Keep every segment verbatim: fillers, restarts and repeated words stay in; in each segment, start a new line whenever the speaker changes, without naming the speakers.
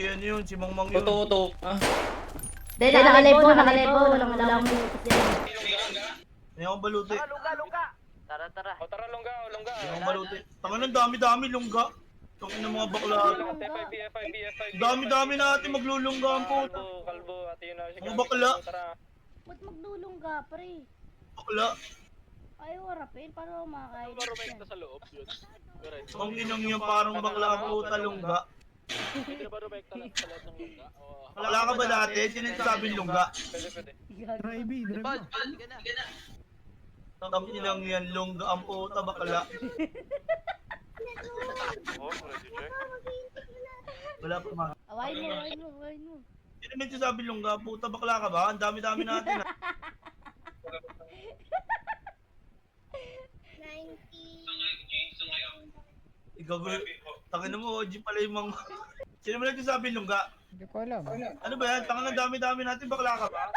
Yan yun, si Mang Mang yun.
Tututok. Ah.
Dahil nakalive po, nakalive po. Walang wala akong lutos yan.
Hindi akong baluti.
Lungga, lungga. Tara, tara.
O tara, longga, o longga.
Hindi akong baluti. Tangan ng dami-dami, lungga. Tangan ng mga bakla.
F five B, F five B, F five B.
Dami-dami natin maglulunggaan po.
Kalbo, kalbo, at yun na.
Mga bakla.
Tara.
Ba't magdulong ka, pre?
Bakla.
Ayaw harapin, paano ako makakain yan?
sa loob yun.
Ang inang yung parang bakla po talungga.
Hindi na ba rumekta lang sa lahat ng longga?
Bakla ka ba dati? Sino yung sabing lungga?
Pwede, pwede.
Drive, drive.
Ang inang yan, lungga ang puta bakla. Wala pa ma.
Awain mo, awain mo, awain mo.
Sino yung sabing lungga? Puta bakla ka ba? Ang dami-dami natin ah. Ikaw ba? Tangin mo, O G pala yung mga... Sino mo nagsasabing lungga?
Hindi ko alam.
Ano ba yan? Tangin ang dami-dami natin, bakla ka ba?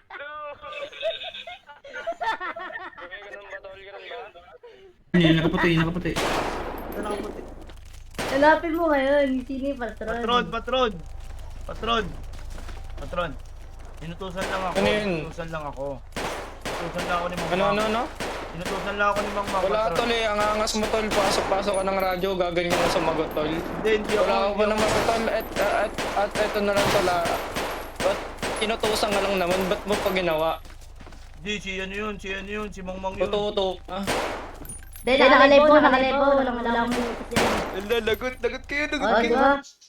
Okay, ganun ba, tol? Ganun ba?
Yan, nakaputi, nakaputi.
Ito nakaputi.
Hanapin mo ngayon, sino yung patron?
Patron, patron! Patron! Patron! Inutusan lang ako.
Ano yun?
Inutusan lang ako. Inutusan lang ako ni Mang
Ano,
Mang.
ano, ano?
Inutusan lang ako ni Mang Mang.
Wala,
Patron.
tol eh. Ang angas mo, tol. Pasok-pasok ka ng radyo. Gaganyan mo sumagot, tol.
Hindi, hindi ako.
Wala ka
hindi
ba
ako-
naman, tol? At, at, at eto na lang, tol. ah. Ba't inutusan ka lang naman? Ba't mo pa ginawa?
Hindi, si ano yun, si ano yun, si Mang Mang yun.
Tututok. Ah.
Dahil nakalive po, nakalive po. Walang wala akong lutos yan.
Ala, lagot, lagot kayo,
O, di ba?